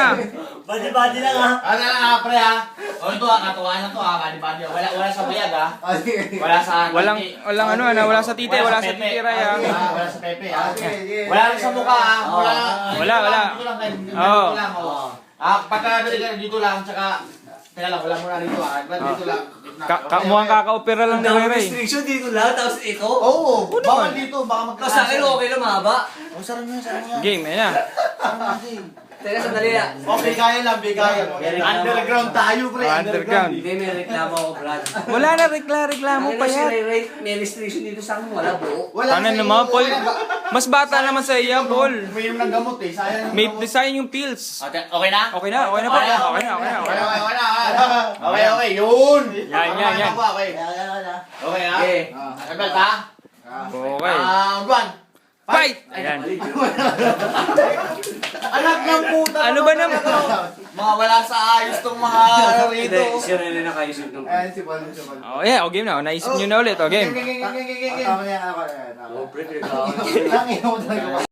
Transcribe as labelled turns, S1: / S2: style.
S1: Badi-badi lang ha.
S2: Ano na pre ha? O ito ha, katuwaan na to ha, badi-badi. Wala sa bayag ha. Wala sa...
S3: Walang ano, wala sa tite, wala sa titiray ha.
S2: Wala sa pepe ha. Wala rin sa mukha ha.
S3: Wala.
S2: Dito lang kayo. Dito lang o. Pagka dito lang, tsaka... Teka lang, wala muna rito ha. Dito lang.
S3: Mukhang kaka-opera lang ni Ray.
S1: Restriction dito lang, tapos ito.
S2: Oo, bawal dito, baka
S1: Tapos sa akin okay lang, mahaba.
S2: O, sarang yan.
S3: Game, ayan na.
S1: Teka, sandali na.
S2: Okay, kaya lang, bigaya. Underground tayo, pre.
S3: Underground.
S1: Hindi, may reklamo ako, Brad.
S3: Wala na reklamo pa yan.
S1: May restriction dito sa akin, wala buo.
S3: Ano naman, Paul? Mas bata naman sa iya, Paul.
S2: Umiinom ng gamot eh, sayang.
S3: May design yung pills.
S2: Okay na?
S3: Okay na, Paul.
S2: Okay, yun!
S3: Yan.
S2: Okay. Okay ha?
S1: Okay.
S2: Sabel ha?
S3: Okay.
S2: One.
S3: Fight! Ayan.
S2: Anak ng puta.
S3: Ano ba naman?
S2: Mga wala sa ayos tong mga rito.
S1: Hindi, siya rin na nakaisip ng...
S4: Ayan si Paul.
S3: Oh, yeah, game na. Naisip nyo na ulit. Oh, game.
S4: Tama na yan ako.
S1: Oh, pre, reklamo.
S4: Lang mo talaga.